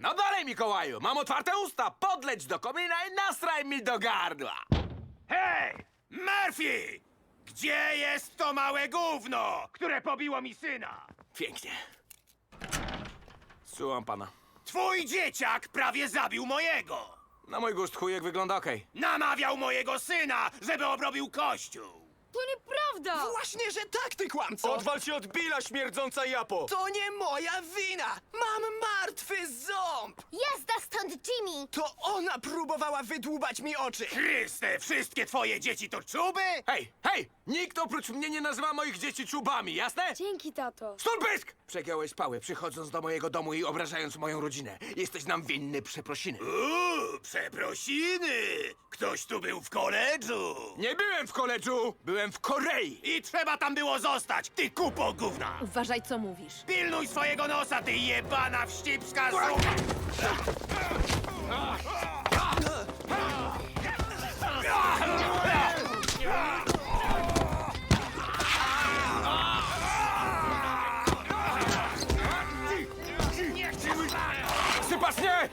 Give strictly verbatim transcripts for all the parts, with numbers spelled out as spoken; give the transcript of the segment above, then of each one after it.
No dalej, Mikołaju, mam otwarte usta. Podleć do komina i nastraj mi do gardła. Hej! Murphy! Gdzie jest to małe gówno, które pobiło mi syna? Pięknie. Słucham pana. Twój dzieciak prawie zabił mojego. Na mój gust chujek wygląda okej. Namawiał mojego syna, żeby obrobił kościół. To nieprawda! Właśnie, że tak, ty kłamco! Odwal się od Billa, śmierdząca japo! To nie moja wina! Mam martwy ząb! Jazda stąd, Jimmy! To ona próbowała wydłubać mi oczy! Chryste, wszystkie twoje dzieci to czuby? Hej, hej! Nikt oprócz mnie nie nazywa moich dzieci czubami, jasne? Dzięki, tato. Stulpysk! Przegiąłeś pały, przychodząc do mojego domu i obrażając moją rodzinę. Jesteś nam winny przeprosiny. Uuu, przeprosiny! Ktoś tu był w koledżu. Nie byłem w koledżu, byłem w Korei. I trzeba tam było zostać, ty kupo gówna! Uważaj, co mówisz. Pilnuj swojego nosa, ty jebana wścibska zupa! Sypas, nie!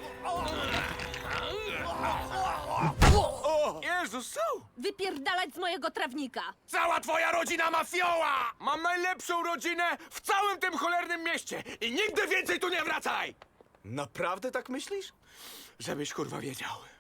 Jezus, co? Wypierdalać z mojego trawnika! Cała twoja rodzina mafioła! Mam najlepszą rodzinę w całym tym cholernym mieście i nigdy więcej tu nie wracaj! Naprawdę tak myślisz? Żebyś kurwa wiedział.